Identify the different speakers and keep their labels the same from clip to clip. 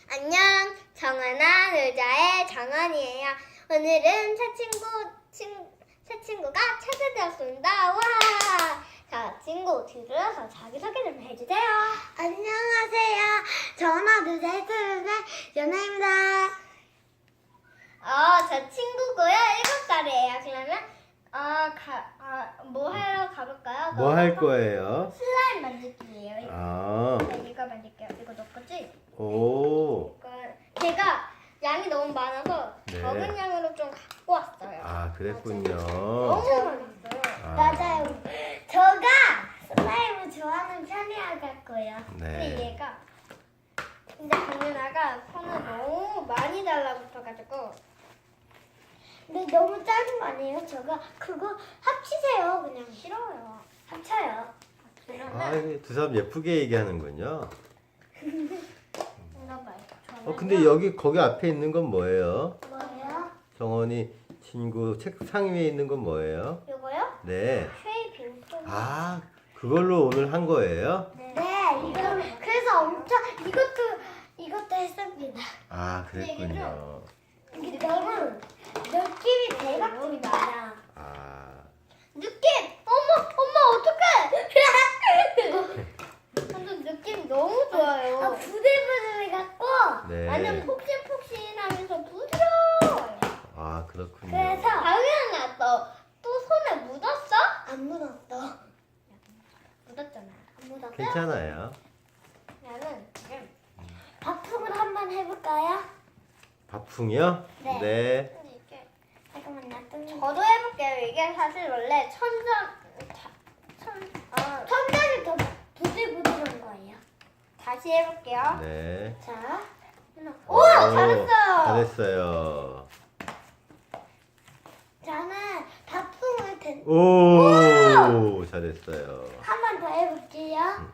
Speaker 1: 안녕, 정하나 놀자의 정원이에요. 오늘은 새 친구가 찾아되었습니다. 와! 자, 친구 뒤돌아서 자기소개 좀 해주세요.
Speaker 2: 안녕하세요. 전화 놀자의 연아입니다.
Speaker 1: 저 친구고요. 7살이에요. 그러면 뭐 하러 가볼까요?
Speaker 3: 뭐 할 거예요?
Speaker 1: 슬라임 만들기예요.
Speaker 3: 아,
Speaker 1: 이거 만들게요. 이거 너 거지?
Speaker 3: 오,
Speaker 1: 제가 양이 너무 많아서
Speaker 3: 네.
Speaker 1: 적은 양으로 좀 갖고 왔어요.
Speaker 3: 아, 그랬군요.
Speaker 1: 너무 많았어요.
Speaker 3: 아,
Speaker 2: 맞아요. 저가 슬라임을 좋아하는 편이라 같고요.
Speaker 1: 근데
Speaker 3: 네.
Speaker 1: 얘가 근데 강윤아가 손을 너무 많이 달라붙어가지고
Speaker 2: 근데 너무 작은 거 아니에요? 저가 그거 합치세요. 그냥
Speaker 1: 싫어요.
Speaker 2: 합쳐요.
Speaker 3: 아, 두 사람 예쁘게 얘기하는군요.
Speaker 1: 뭔가 말고
Speaker 3: 근데 거기 앞에 있는 건 뭐예요?
Speaker 2: 뭐예요?
Speaker 3: 정원이 친구 책상 위에 있는 건 뭐예요?
Speaker 1: 요거요?
Speaker 3: 네.
Speaker 1: 쉐이빙
Speaker 3: 아, 그걸로 오늘 한 거예요?
Speaker 2: 네, 이거 그래서 엄청 이것도 했습니다.
Speaker 3: 아, 그랬군요.
Speaker 2: 이게 너무 느낌이 대박이 많아.
Speaker 3: 아,
Speaker 1: 느낌! 엄마 어떡해! 완전 느낌 너무 좋아요.
Speaker 2: 부들부들 갖고
Speaker 3: 네.
Speaker 1: 완전 폭신폭신하면서 부드러워요.
Speaker 3: 아, 그렇군요.
Speaker 2: 그래서
Speaker 1: 강윤아 또 손에 묻었어?
Speaker 2: 안 묻었어.
Speaker 1: 묻었잖아.
Speaker 2: 안 묻었어.
Speaker 3: 괜찮아요.
Speaker 1: 나는 지금
Speaker 2: 밥통을 한번 해볼까요?
Speaker 3: 밥풍이요?
Speaker 2: 네.
Speaker 3: 네.
Speaker 1: 이게
Speaker 2: 잠깐만요.
Speaker 1: 저도 해볼게요. 이게 사실 원래
Speaker 2: 천장이 더 부들부들한 거예요.
Speaker 1: 다시 해볼게요.
Speaker 3: 네.
Speaker 2: 자,
Speaker 1: 오, 잘했어요.
Speaker 3: 잘했어요.
Speaker 2: 저는 밥통을
Speaker 3: 오, 잘했어요.
Speaker 2: 한 번 더 해볼게요.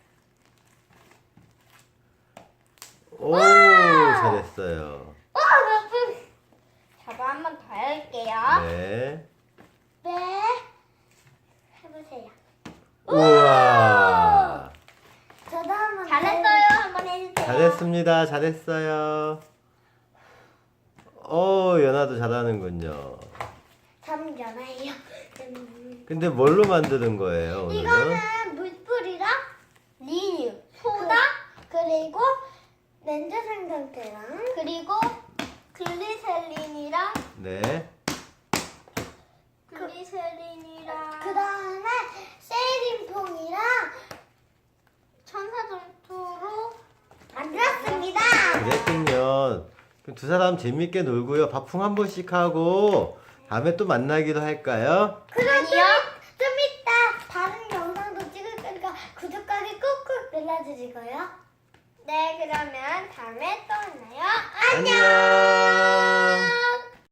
Speaker 3: 오, 잘했어요.
Speaker 1: 저도 한 번 더 할게요.
Speaker 3: 네.
Speaker 2: 네, 해보세요.
Speaker 3: 우와.
Speaker 2: 저도 한번
Speaker 1: 잘했어요. 한 번 해주세요.
Speaker 3: 잘했습니다. 잘했어요. 연아도 잘하는군요.
Speaker 2: 저는 연아예요.
Speaker 3: 근데 뭘로 만드는 거예요, 오늘은?
Speaker 2: 이거는 물뿌리랑
Speaker 1: 리뉴, 소다,
Speaker 2: 그리고 렌즈 생성제랑
Speaker 1: 그리고 글리세린이랑
Speaker 3: 네.
Speaker 2: 그 다음에 세린퐁이랑
Speaker 1: 천사점토로
Speaker 2: 만들었습니다.
Speaker 3: 그랬군요. 그럼 두 사람 재밌게 놀고요. 밥풍 한 번씩 하고 다음에 또 만나기로 할까요?
Speaker 2: 그럼
Speaker 1: 아니요.
Speaker 2: 좀 이따 다른 영상도 찍을 거니까 구독하기 꾹꾹 눌러주시고요.
Speaker 1: 네, 그러면 다음에 또 만나요.
Speaker 3: 안녕.